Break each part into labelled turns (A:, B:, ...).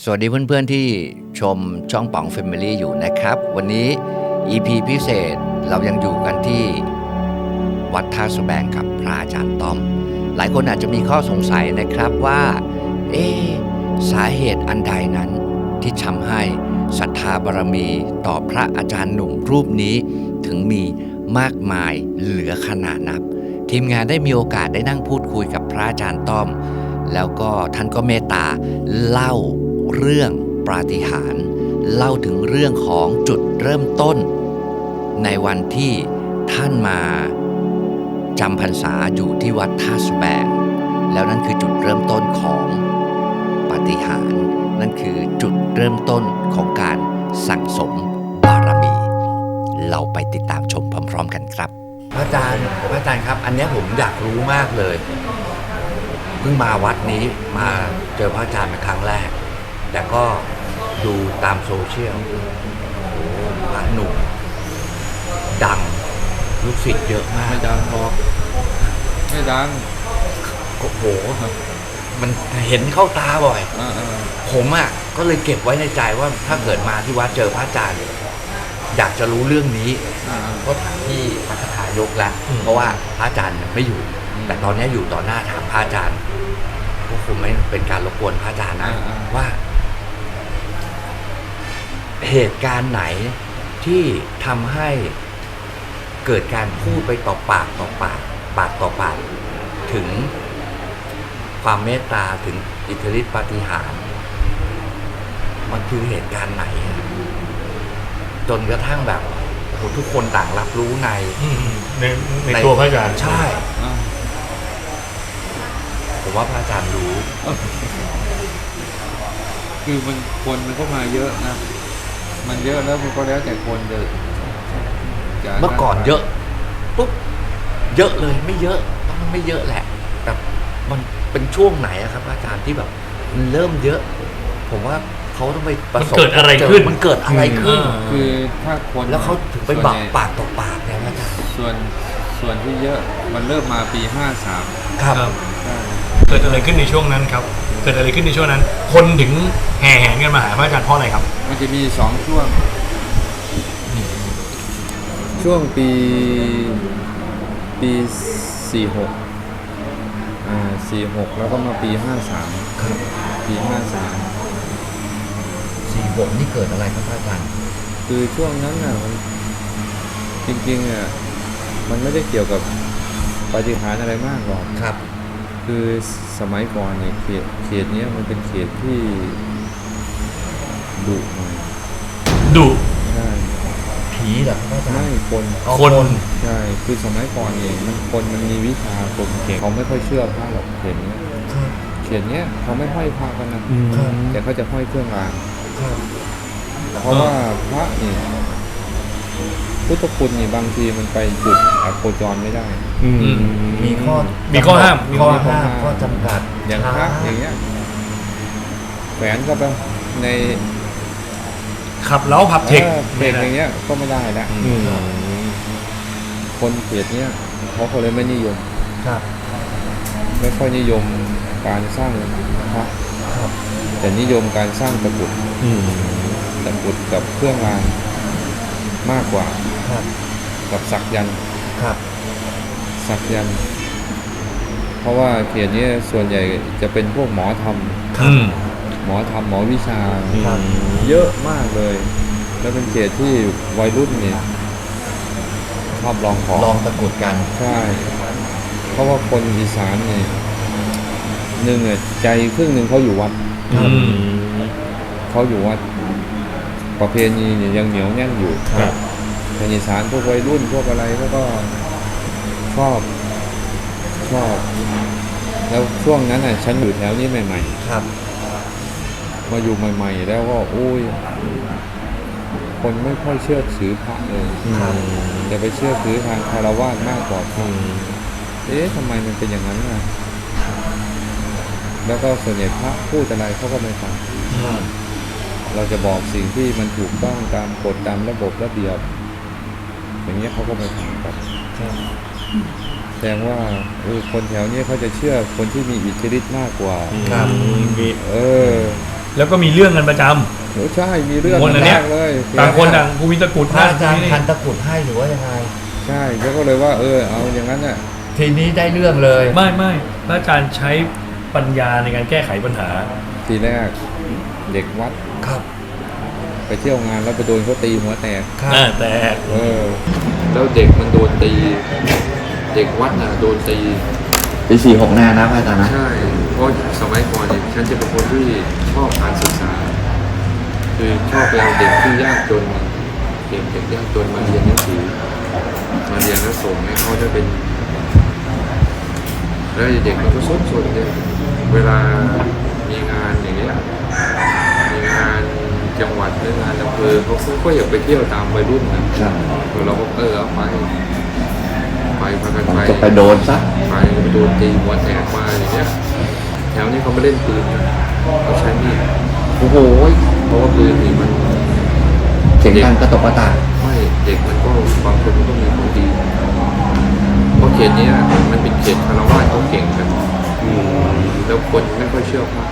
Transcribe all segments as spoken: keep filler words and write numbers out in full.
A: สวัสดีเพื่อนๆที่ชมช่องป๋อง Family อยู่นะครับวันนี้ อี พี พิเศษเรายังอยู่กันที่วัดท่าสแบงกับพระอาจารย์ต้อมหลายคนอาจจะมีข้อสงสัยนะครับว่าเอ๊ะสาเหตุอันใดนั้นที่ทำให้ศรัทธาบารมีต่อพระอาจารย์หนุ่มรูปนี้ถึงมีมากมายเหลือขนาดนับทีมงานได้มีโอกาสได้นั่งพูดคุยกับพระอาจารย์ต้อมแล้วก็ท่านก็เมตตาเล่าเรื่องปาฏิหาริย์เล่าถึงเรื่องของจุดเริ่มต้นในวันที่ท่านมาจำพรรษาอยู่ที่วัดท่าสแบงแล้วนั่นคือจุดเริ่มต้นของปาฏิหาริย์นั่นคือจุดเริ่มต้นของการสั่งสมบารมี เราไปติดตามชมพร้อมๆกันครับพระอาจารย์พระอาจารย์ครับอันนี้ผมอยากรู้มากเลยเพิ่งมาวัดนี้มาเจอพระอาจารย์เป็นครั้งแรกแต่ก็ดูตามโซเชียลโอ้พระหนุ่มดังลูกศิษย์เยอะมาก
B: ไม่ดังพอไม่ดัง
A: โอ้โหมันเห็นเข้าตาบ่อยผมอ่ะก็เลยเก็บไว้ในใจว่าถ้าเกิดมาที่วัดเจอพระอาจารย์อยากจะรู้เรื่องนี้ก็ถามที่วัดทายกแล้วเพราะว่าพระอาจารย์ไม่อยู่แต่ตอนนี้อยู่ต่อหน้าถามพระอาจารย์ก็คงไม่เป็นการรบกวนพระอาจารย์นะว่าเหตุการณ์ไหนที่ทำให้เกิดการพูดไปต่อปากต่อปากปากต่อปากถึงความเมตตาถึงอิทธิฤทธิปาฏิหาริย์มันคือเหตุการณ์ไหนจนกระทั่งแบบทุกคนต่างรับรู้ใน
C: ในในตัวพระอาจารย์
A: ใช่ผมว่าพระอาจารย์รู้
B: คือมันคนมันก็มาเยอะนะมันเยอะแล้วมันก็แล้วแต่คนจะ
A: เมื่อก่อนเยอะปุ๊บเยอะเลยไม่เยอะมันไม่เยอะแหละแต่มันเป็นช่วงไหนอะครับอาจารย์ที่แบบมันเริ่มเยอะผมว่าเขาต้องไปประสบ
C: มันเกิดอะไรขึ้น
A: มันเกิดอะไรขึ้น
B: คือถ้าคน
A: แล้วเขาถึงไปบอกปากต่อปากเนี่ยอาจารย์
B: ส่วนส่วนที่เยอะมันเริ่มมาปีห้าสาม
A: ครับ
C: เกิดอะไรขึ้นในช่วงนั้นครับเกิดอะไรขึ้นในช่วงนั้นคนถึงแห่แหนกันมาหาพระอาจารย์เพราะอะไรครับ
B: มันจะมีสองช่วงช่วงปีปีสี่หกอ่าสี่หกแล้วก็มาปีห้าสาม
A: ครับ
B: ปีห้าสาม
A: สี่หกนี่เกิดอะไรครับอาจารย์
B: คือช่วงนั้นน่ะมันจริงๆอ่ะมันไม่ได้เกี่ยวกับปาฏิหาริย์อะไรมากหรอก
A: ครับ
B: คือสมัยก่อนเนี่ยเขตเขตนี้มันเป็นเขตที่ดุหน่อย
C: ดุ
B: ใช่
A: ผีเหรอครับอาจารย์
B: ไม่คน
C: คน
B: ใช่คือสมัยก่อนเองมันคนมันมีวิชาคนเก่งเขาไม่ค่อยเชื่อพระหรอกเขตนี้เขตนี้เขาไม่ห้อยพระกันนะแต่เขาจะห้อยเครื่องรางเพราะว่าพระนี่พุทธคุณนี่บางทีมันไปจุดอโคจรไม่ได้
A: มีข้อ
C: มีข้อห้าม
A: ข้อห้ามข้อจำกัด
B: อย่างพระอย่างเงี้ยแขวนก็ไปใน
C: ขับเล้าผับเทค
B: เพลงอย่างเงี้ยก็ไม่ได้แล้วคนเขตเนี้ยเขาก็เลยไม่นิยมไม่ค่อยนิยมการสร้างพระแต่นิยมการสร้างตะกรุดตะกรุดกับเครื่องรางมากกว่ากับสักยันต์สักยันต์เพราะว่าเขตนี้ส่วนใหญ่จะเป็นพวกหมอธรรมหมอธรรมหมอวิชาเยอะมากเลยแล้วเป็นเขตที่วัยรุ่นนี่ชอบลองของ
A: ลองตะกรุดกัน
B: ใช่เพราะว่าคนอีสานนี่หนึ่งอ่ะใจครึ่งหนึ่งเขาอยู่วัดเขาอยู่วัดประเพณีเนี่ยยังเหนียวแน่นอยู่คนอีสานพวกวัยรุ่นพวกอะไรเขาก็ชอบชอบแล้วช่วงนั้นน่ะฉันอยู่แถวนี้ใหม่ๆ
A: ครับ
B: มาอยู่ใหม่ๆแล้วก็โอ้ยคนไม่ค่อยเชื่อถือพระเลยจะไปเชื่อถือทางคารวะมากกว่าเอ๊ะทำไมมันเป็นอย่างนั้นน่ะแล้วก็ส่วนใหญ่พระพูดอะไรเขาก็ไม่ฟังเราจะบอกสิ่งที่มันถูกต้องตามกฎตามระบบระเบียบอย่างเงี้ยเขาก็ไม่ฟังกันแสดงว่าเออคนแถวนี้เขาจะเชื่อคนที่มีอิทธิฤทธิ์มากกว่า
A: ครับ
B: เออ
C: แล้วก็มีเรื่องกันประจำ
B: โอ้ใช่มีเรื่อง
C: คนอันเนี้ย
B: แรกเลย
C: ต่างคนต่างกูมีตะกรุด
A: พระอาจารย์
C: นี่
A: พันตะกรุดให้หรือว่ายังไง
B: ใช่แล้วก็เลยว่าเออเอาอย่างนั้นน่ะ
A: ทีนี้ได้เรื่องเลย
C: ไม่ไม่พระอาจารย์ใช้ปัญญาในการแก้ไขปัญหา
B: ทีแรกเด็กวัด
A: ครับ
B: ไปเที่ยวงานแล้วไปโดนเขาตีหัวแตก
A: ครับ
C: อ่าแต่
B: เออแล้วเด็กมันโดนตี เด็กวัดน่ะโดนตี
A: ปีสี่หกแน่นะพระอาจารย์นะ
B: ใช่เพราะสมัยก่อนเนี่ยฉันจะเป็นคนที่ชอบการศึกษา คือชอบไปเอาเด็กที่ยากจนเด็กเด็กยากจนมาเรียนหนังสือมาเรียนแล้วส่งให้เขาได้เป็น แล้วเด็กมันก็สนสนเนี่ยเวลามีงานอย่างเงี้ยมีงานจังหวัดหรืองานอำเภอเขาก็อยากไปเที่ยวตามวัยรุ่นนะครับเราก็เออเอาไปไปพากันไป
A: จะไปโดนซะ
B: ไปไปโดนตีหัวแตกมาอย่างเงี้ยแถวนี้เขาไม่เล่นปืนนะเขาใช้มีด
A: โอ้โห
B: เพราะว่าปืนนี่มัน
A: เสียงดังกระตกกระตาก
B: ไม่เด็กมันก็บางคนมันก็มีของดีเพราะเขตเนี้ยมันเป็นเขตคารวะเขาเก่งกันแล้วคนไม่ค่อยเชื่อพระ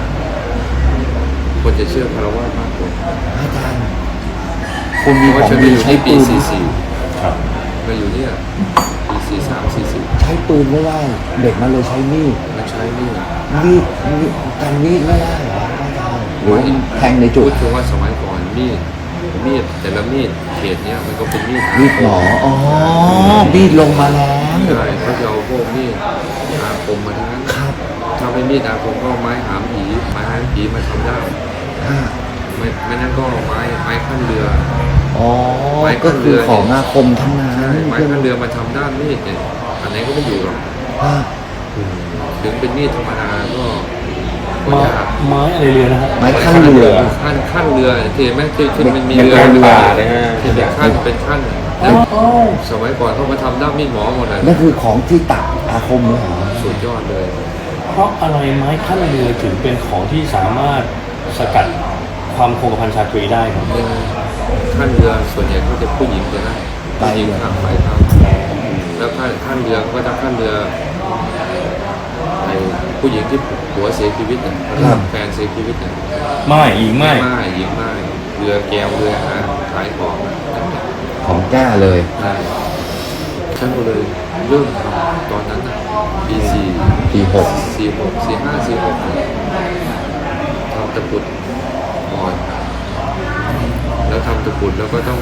B: คนจะเชื่อคารวะมากกว่า
A: อาจารย์คุณ
B: เพ
A: มี
B: ราะ
A: ข
B: ว่า
A: อง
B: ฉันไป
A: ดี
B: อยู่
A: ใช้
B: ที่ปี
A: ปืน
B: สี่สี่
C: ครับ
B: มาอยู่เนี่ยปีสี่สามสี่สี่
A: ใช้ปืนไม่ได้เด็กมันเลยใช้มีด
B: มันใช้นี่
A: มีดมีดกันมีดไม่ได้เหรออาจารย์หรือแทงในจุ
B: พู
A: ด
B: ดถึงว่าสมัยก่อนมีดมีดแต่ละมีดเขตเนี้ยมันก็เป็นมีด
A: มีดหมออ๋อมีดลงมาแล้ว
B: ใช่เขาจะเอาพวกมีดอาคมมาทั้งนั้น
A: ครับ
B: ถ้าไม่มีดอาคมก็ไม้หามผีไม้หามผีมาทำได้
A: อ่า
B: ไม่ไม่นั่นก็ไม้ไม้ขั้นเรือ
A: อ๋อ
B: ไม้
A: ก็
B: ขั้น
A: คื
B: เรือ อ
A: ของอาคมทั้งนั้น
B: ใช่ไม้ขั้นเรือมาทำด้านมีดเนี่ยอันไหนก็ไม่อยู่หรอก
A: อ่า
B: ถึงเป็นมีดธรรมดาก็ก็
C: ไม้
B: ยาก
C: ไม้อะไรเรือนะฮะ
A: ไม้ขั้นเรือ
B: ขั้นขั้นเรือที่ไหมที่ที่มันมี
A: เป็น
B: เรือ
A: ขั้น
B: เรือ
A: ป่า
B: เลยฮะที่เป็นขั้นเป็นขั้นสมัยก่อนเขามาทำด้ามมีดหมอหมดเลย
A: นั่นคือของที่ตัดอาคมเลยเหรอ
B: สุดยอดเลย
C: เพราะอะไรไม้ขั้นเรือถึงเป็นของที่สามารถสกัดความคงกระพันชาตรีได้ครับ
B: เป็นขั้นเรือส่วนใหญ่เขาจะผู้หญิงจะนะผู้หญิงข้ามไปข้ามแล้วขั้นขั้นเรือเขาก็จะขั้นเรือไอ้ผู้หญิงที่ผัวเสียชีวิตเนี่ยแฟนเสียชีวิตเนี่ย
C: ไม่หญิงไม่
B: ไม่หญิงไม่เรือแก้วเรือหาขายของนั่นแหละ
A: ของแก้เลย
B: ใช่ฉันก็เลยเริ่มทำตอนนั้นน่ะปีสี่
A: ปีหก
B: สี่หกสี่ห้าสี่หกทำตะกรุดก่อนแล้วทำตะกรุดแล้วก็ต้อง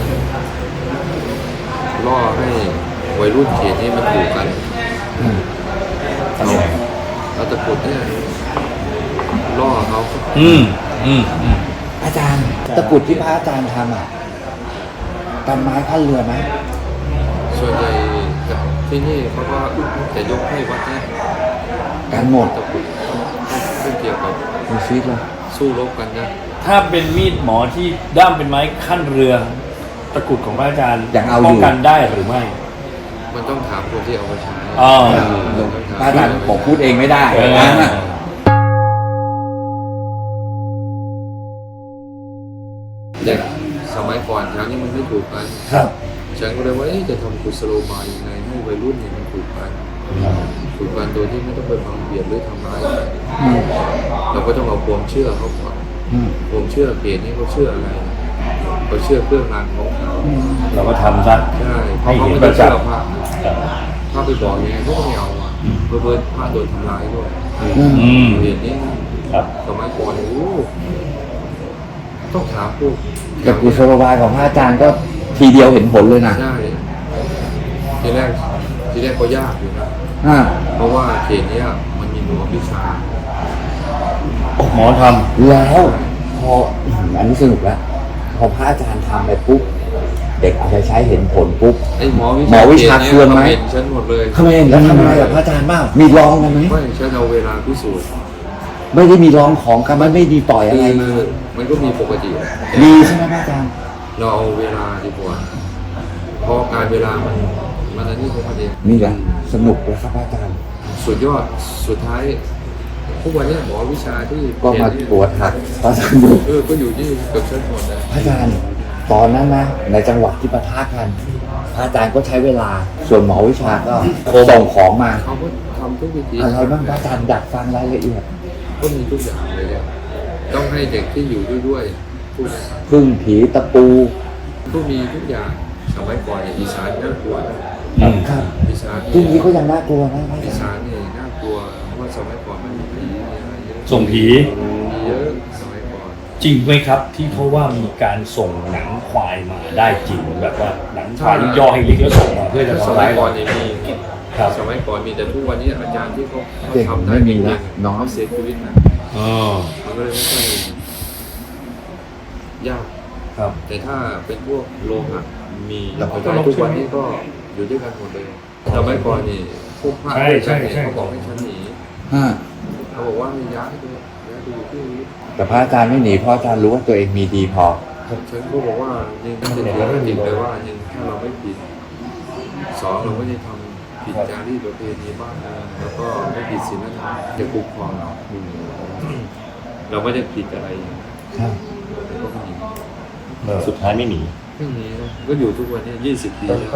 B: ล่อให้วัยรุ่นเขตนี้มันถูกกัน
A: อืม
B: เอาเอาตะกรุดเนี่ยล่อเขา
C: อืมอืมอืม
A: อาจารย์ตะกรุดที่พระอาจารย์ทำอ่ะกันไม้ขั้นเรือไหม
B: ส่วนใหญ่ที่นี่เขาก็จะยกให้วัดเนี่ย
A: กันหมด
B: ตะกรุดไม่เกี่ยวกับ
A: มีชีวิตเลย
B: สู้รบกันนะ
C: ถ้าเป็นมีดหมอที่ด้ามเป็นไม้ขั้นเรือ ตะกรุดของพระอาจารย์
A: ยังเอาอ
C: ป้อง
A: ยู่
C: กันได้หรือไม่
B: มันต้องถามคนที่เอามาใช้
C: อ๋อ
A: พระอาจารย์บอกพูดเองไม่ได้
C: เออ
A: นะ
B: เด็กสมัยก่อนแถวนี้มันไม่ถูกกัน
A: ครับ
B: ฉันก็เลยว่าเอ๊ะจะทำกุศโลบายยังไงให้วัยรุ่นเนี่ยมันถูกกันถูกกันโดยที่ไม่ต้องไปบังเบียดหรือทำร้ายกัน
A: อืม
B: เราก็ต้องเอาความเชื่อเขาก่อน
A: อืม
B: ความเชื่อเกณฑ์นี้เขาเชื่ออะไรเขาเชื่อเครื่องรางของเขา
C: เราก็ทำซะ
B: ใช่เพ
C: ให้
B: ราะเขา
C: เห็น
B: ไม่
C: ป
B: ได้
C: ระจั
B: เชื่
C: ก
B: อ
C: ษ์
B: พระถ้าไปบอกยังไงเขาก็ไม่เอาอ่ะเพื่อเพื่อพระโดนทำร้ายด้วย
A: อืม
C: อืม
B: เหตุนี้
C: ครับ
B: สมัยก่อนเนี่ยโอ้ต้องถามพวก
A: แต่กุศโลบายของพระอาจารย์ก็ทีเดียวเห็นผลเลยนะ
B: ใช่ทีแรกทีแรกก็ยากอยู่นะ
A: อ่า
B: เพราะว่าเขตเนี้ยมันมีหมอวิชา
C: หมอท
A: แล้วพออืมอันนี้สนุกแล้วพอพระอาจารย์ทำไปปุ๊บเด็กเอาไปใช้เห็นผลปุ๊บ
B: ไอ้หมอวิ
A: หมอวิชา
B: ขต
A: เคืองไหม
B: เห็นฉันหมดเลย
A: ทำไมแล้วทำอะไรกับพระอาจารย์บ้างมีร้องกันไหม
B: ไม่ฉันเอาเวลาพิสูจน์
A: ไม่ได้มีร้องของกันมันไม่ดีต่อยอะไร
B: คื
A: มา
B: อมันก็มีปกติ
A: ดีใช่ไหมพระอาจารย์
B: เราเอาเวลาดีกว่าเพราะการเวลามันมันอันนี้ของมันเอง
A: นี่แหละสนุกแล้วครับพระอาจารย์
B: สุดยอดสุดท้ายทุกวันเนี้ยหมอวิชาที่
A: ก็มา
B: เขต
A: ปวดหักพระอาจารย์ดู
B: เออก็อยู่ที่เกือบฉันหมดนะ
A: พระอาจารย์ตอนนั้นนะในจังหวัดที่ปะทะกันพระอาจารย์ก็ใช้เวลาส่วนหมอวิชาก็ส่งของมา
B: เขาก็ทำทุกวิธี
A: อะไรบ้างพระอาจารย์อยากฟังรายละเอียด
B: ก็มีทุกอย่างเลยเนี่ยต้องให้เด็กที่อยู่ด้วยด้วยพูด
A: พึ่งผีตะปู
B: ก็มีทุกอย่างสมัยก่อนเนี่ยอีสานน่ากลัวนะ
A: ครับ
B: อีสาน
A: พรุ่งนี้ก็ยังน่ากลัวนะ
B: อีสานนี่น่ากลัวเพราะว่าสมัยก่อนมันมีผีมีอะไรเยอะ
C: ส่งผี
B: มีเยอะสมัยก่อน
C: จริงไหมครับ ที่เขาว่ามีการส่งหนังควายมาได้จริงแบบว่าหนังควายย่อให้ลิกแล้วส่งมาเพื่อจะ
B: ส
C: ทำ
B: มั
C: ร้าย ย
B: ก่
C: เรา
B: อนนี่มี
C: ครับ
B: สมัยก่อนมีแต่ทุกวันนี้อาจารย์ที่เขาเขา
A: เก่ง
B: ทำได้
A: ไม่มี
B: จริง
A: ละ
B: ๆ
A: น้อง
B: เขาเสียชีวิตนะ
C: อ๋อ
B: มันก็เลยไม่ค่อยยาก
C: ครับ
B: แต่ถ้าเป็นพวกโลหะมี
A: แล้ว
B: แต่ทุกวันนี้ก็อยู่ด้วยกันหมดเลยสมัยก่อนนี่พวกพระ
C: ใช่ใช่ใช่
B: เขาบอกให้ฉันหนี
A: ฮะ
B: เขาบอกว่าให้ย้ายไปย้ายไปอยู่ที่อื่น
A: แต่พระอาจารย์ไม่หนีเพราะอาจารย์รู้ว่าตัวเองมีดีพอ
B: ฉันก็บอกว่ายังจะถือว่าจริงเลยว่ายังถ้าเราไม่ผิดสองเราไม่ได้ทำผิดจารีตประเพณีบ้านเมืองแล้วก็ไม่ผิดศีลธรรมจะคุ้มครองเราเราไม่ได้ผิดอะไร
A: ครับ
B: แต่ก็ไม่หนี
C: สุดท้ายไม่หนี
B: ไม่หนีนะก็อยู่ทุกวันนี้ยี่สิบปีแล้ว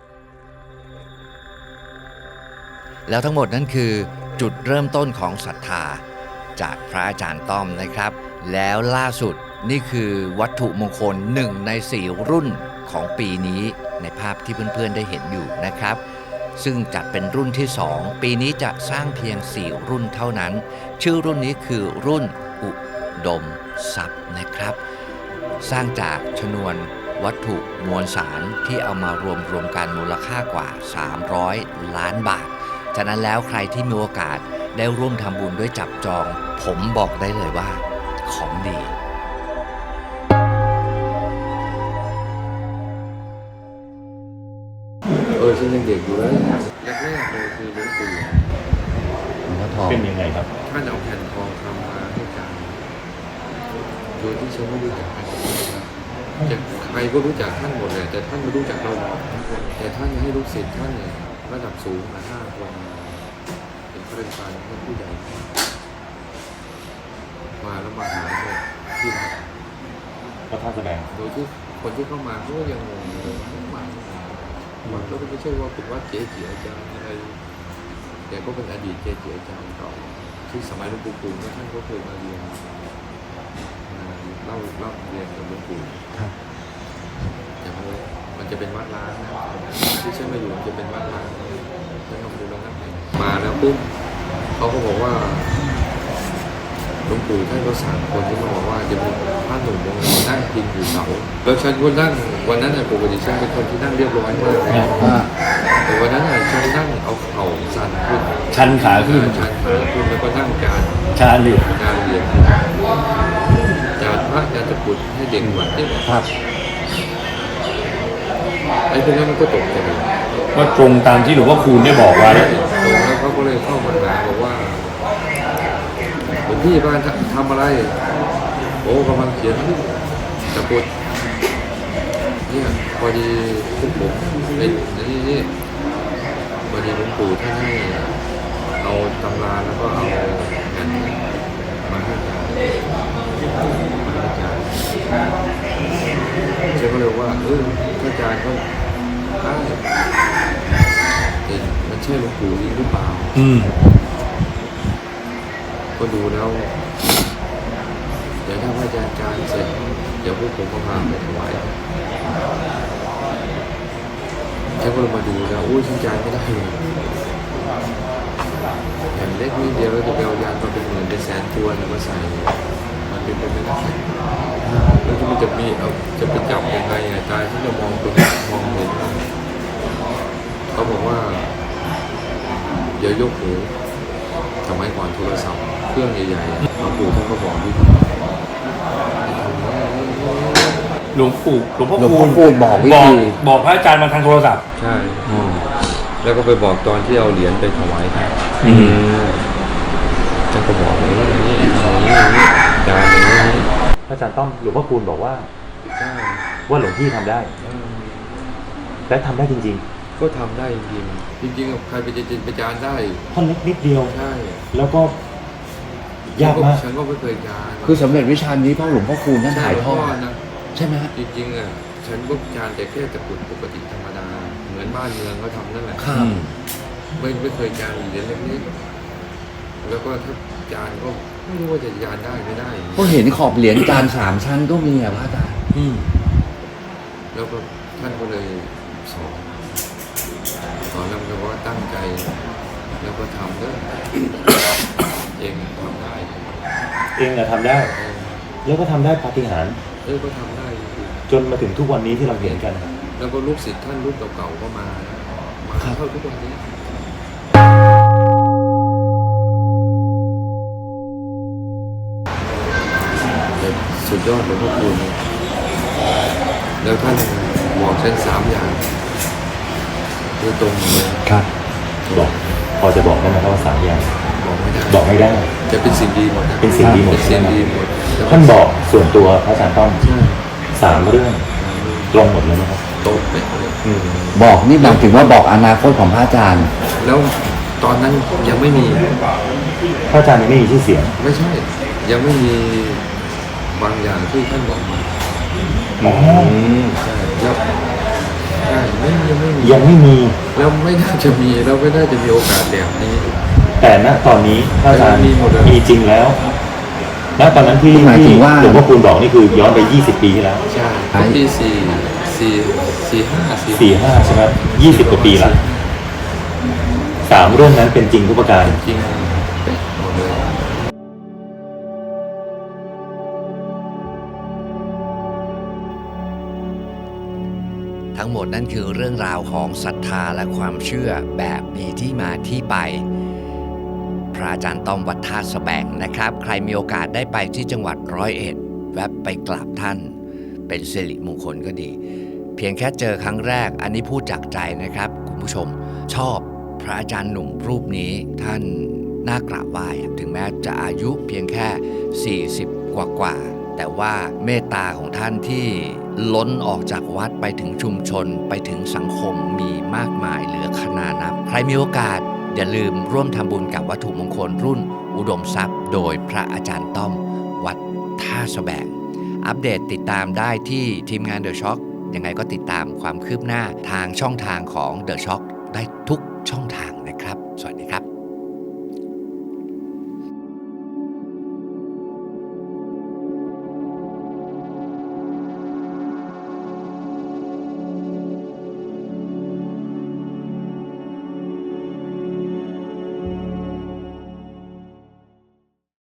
A: แล้วทั้งหมดนั่นคือจุดเริ่มต้นของศรัทธาจากพระอาจารย์ต้อมนะครับ แล้วล่าสุดนี่คือวัตถุมงคลหนึ่งในสี่รุ่นของปีนี้ในภาพที่เพื่อนๆได้เห็นอยู่นะครับ ซึ่งจัดเป็นรุ่นที่สองปีนี้จะสร้างเพียงสี่รุ่นเท่านั้น ชื่อรุ่นนี้คือรุ่นอุดมทรัพย์นะครับ สร้างจากชนวนวัตถุมวลสารที่เอามารวมรวมกันมูลค่ากว่าสามร้อยล้านบาท ฉะนั้นแล้วใครที่มีโอกาสได้ร่วมทำบุญด้วยจับจอง ผมบอกได้เลยว่าของดี
B: เออฉันยังเด็กอยู่เลยแรกๆเลยคือหลวงปู่
C: เป็นยังไงครับ
B: ท่านเอาแผ่นทองคำมาให้การโดยที่ฉันไม่รู้จักใครจะใครก็รู้จักท่านหมดเลยแต่ท่านไม่รู้จักเราแต่ท่านให้ลูกศิษย์ท่านเนี่ยระดับสูงมาห้าคนเป็นข้าราชการท่านผู้ใหญ่มาแล้วมาหาเนี่ยที่วัด
C: พระธาตุแสดง
B: โดยที่คนที่เข้ามาเขาก็ยังงงเลยว่ามาแล้วก็ไม่ใช่ว่าเป็นวัดเก๋จิอาจารย์อะไรแต่ก็เป็นอดีตเก๋จิอาจารย์เก่าที่สมัยหลวงปู่ปู่เนี่ยท่านก็เคยมาเรียนมาเล่าเล่าเรียนกับหลวงปู่
A: ครับ
B: แต่มันมันจะเป็นวัดล้างนะที่ฉันมาอยู่มันจะเป็นวัดล้างฉันลองดูแล้วนะมาแล้วปุ๊บเขาก็บอกว่าหลวงปู่ท่านก็สั่งคนที่มาบอกว่าจะมีพระหนุ่มองค์หนึ่งนั่งพิงอยู่เสาแล้วฉันก็นั่งวันนั้นน่ะปกติฉันเป็นคนที่นั่งเรียบร้อยมากเลย
A: อ่า
B: แต่วันนั้นน่ะฉันนั่งเอาเข่าสั่นขึ้น
C: ชันขาขึ้น
B: ชันขาขึ้นแล้วก็นั่งการ
C: ชาเหลีย
B: การเรียนจานพระจานตะกรุดให้เด็กวัดเนี่ย
A: ครับ
B: ไอ้พวกนั้นมันก็ตกใจ
C: ก็ตรงตามที่หลวงพ่อคูณได้บอกไว้
B: ตรงแล้วเขาก็เลยเข้ามาหาบอกว่าหลวงพี่บ้านทำอะไรโอ้กำลังเขียนตะกรุดเนี่ยพอดีพวกผมไอ้นี่นี่พอดีหลวงปู่ท่านให้เอาตำราแล้วก็เอาแผ่นมาให้อาจารย์มาให้อาจารย์เจ้าก็เลยว่าเอออาจารย์ก็ได้แต่มันใช่หลวงปู่จริงหรือเปล่า
C: อืม
B: ก็ดูแล้ว เดี๋ยวถ้าพระอาจารย์การเสร็จ เดี๋ยวพวกผมก็พาไปถวายฉันก็เลยมาดูแล้วอุ้ยฉันจ่ายไม่ได้เลยแผ่นเล็กนิดเดียวแล้วจะไปเอายางมาเป็นหมื่นเป็นแสนตัวเนี่ยมาใส่ มันเป็นไปไม่ได้แล้วที่มันจะมีเอาจะไปจับยังไงอ่ะตายฉันจะมองตรงมองเห็นเขาบอกว่าเดี๋ยวยกหูสมัยก่อนโทรศัพท์เครื่องใหญ่ๆหลวงปู่ท่านก็บอกวิธี
C: หลวงปู่หลวงพ่อ
A: หลวง
C: คู
A: พ่อ
C: ณ
A: คูณบอกวิ
C: บอก
A: ธี
C: บอกพระอาจารย์มาทางโทรศัพท์
B: ใช่ แล้วก็ไปบอกตอนที่เอาเหรียญไปถวายท่าน
C: อืม
B: ท่านก็บอกอย่างนี้อย่างนี้อย่างนี้อย่างนี้จานอย่างนี้
D: พระอาจารย์ต้อมหลวงพ่อคูณบอกว่า
B: ใช่
D: ว่าหลวงพี่ทำได้
B: เออ
D: และทำได้จริง
B: ก็ทำได้จริงๆจริงๆใครไปจะจินไปจานได้
D: ๆท่อนเล็กนิดเดียว
B: ใช่
D: แล้วก็ยากมาก
B: ฉันก็ไม่เคยจาน
A: คือสำเร็จวิชานี้เพราะหลวงพ่อคูณท่าน
B: ใช่
A: ถ่ายทอด
B: นะ
A: ใช่ไหมฮะ
B: จริงๆอ่ะฉันก็จานแต่แค่ตะกรุดปกติธรรมดา เหมือนบ้านเมืองเขาทำนั่นแหละ
A: ครับ
B: ไม่ไม่เคยจานเหรียญเล็กๆแล้วก็ถ้าจานก็ไม่รู้ว่าจะยานได้ไม่ได้
A: ก็เห็นขอบเหรียญจานสามชั้นก็มีอะพระอาจารย์
B: อืมแล้วก็ท่านก็เลยสอนสอนแล้วก็ว่าตั้งใจ แล้วก็ทำเด้อ เองทำได้
D: เองอะทำได้
B: เออ
D: แล้วก็ทำได้ปาฏิหาริย์
B: เออก็ทำได้จริง
D: จนมาถึงทุกวันนี้ที่เราเห็นกัน
B: ๆแล้วก็ลูกศิษย์ท่านรุ่นเก่าๆก็มานะมาเข้าทุกวันนี้แต่สุดยอดหลวงพ่อคูณแล้วท่านบอกเส้นสามอย่างคือตรงเลย
D: ครับ บอกพอจะบอกได้ไหมครับว่าสามอย่าง
B: บอกไม่ได้
D: บอกไม่ได้
B: จะเป็นสิ่งดีหมดนะ
D: เป็นสิ่งดีหมด
B: เป็น
D: ใช่
B: สิ่ง
D: ไหม
B: ดีหมด
D: ท่านบอกส่วนตัวพระอาจารย์ต้อม
B: ใช่
D: สามเรื่องตรงหมดเลยนะครับ
B: โตะเป็ดเลย
D: อืม
A: บอกนี่หมายถึงว่าบอกอนาคตของพระอาจารย์
B: แล้วตอนนั้นยังไม่มี
D: พระอาจารย์ยังไม่มีชื่อเสียง
B: ไม่ใช่ ยังไม่มีบางอย่างที่ท่านบอกมา
D: อืม
B: ใช่แล้วใช่ไม่ยังไม่มี
D: ยังไม่มี
B: แล้วไม่น่าจะมีแล้วไม่น่าจะมีโอกาสแบบนี้
D: แต่ณตอนนี้พระอาจารย์
B: มีหมดเลย
D: มีจริงแล้วณตอนนั้นที่
A: หมายถึงว่า
D: หลวงพ่อคูณบอกนี่คือย้อนไปยี่สิบปีที่แล้ว
B: ใช่ปีสี่สี่สี่ห้าสี่
D: สี่ห้าใช่ไหมยี่สิบกว่าปีละสามเรื่องนั้นเป็นจริงทุกประการ
B: จริงเป็ดหมดเลย
A: ทั้งหมดนั่นคือเรื่องราวของศรัทธาและความเชื่อแบบมีที่มาที่ไป พระอาจารย์ต้อมวัดท่าสแบงนะครับ ใครมีโอกาสได้ไปที่จังหวัดร้อยเอ็ดแวะไปกราบท่านเป็นสิริมงคลก็ดี เพียงแค่เจอครั้งแรกอันนี้พูดจากใจนะครับคุณผู้ชมชอบพระอาจารย์หนุ่มรูปนี้ท่านน่ากราบไหว้อะถึงแม้จะอายุเพียงแค่ สี่สิบ กว่ากว่าๆแต่ว่าเมตตาของท่านที่ล้นออกจากวัดไปถึงชุมชนไปถึงสังคมมีมากมายเหลือขนานับ ใครมีโอกาสอย่าลืมร่วมทำบุญกับวัตถุมงคลรุ่นอุดมทรัพย์ โดยพระอาจารย์ต้อมวัดท่าสแบงอัปเดตติดตามได้ที่ทีมงาน The Shock ยังไงก็ติดตามความคืบหน้าทางช่องทางของ The Shock ได้ทุก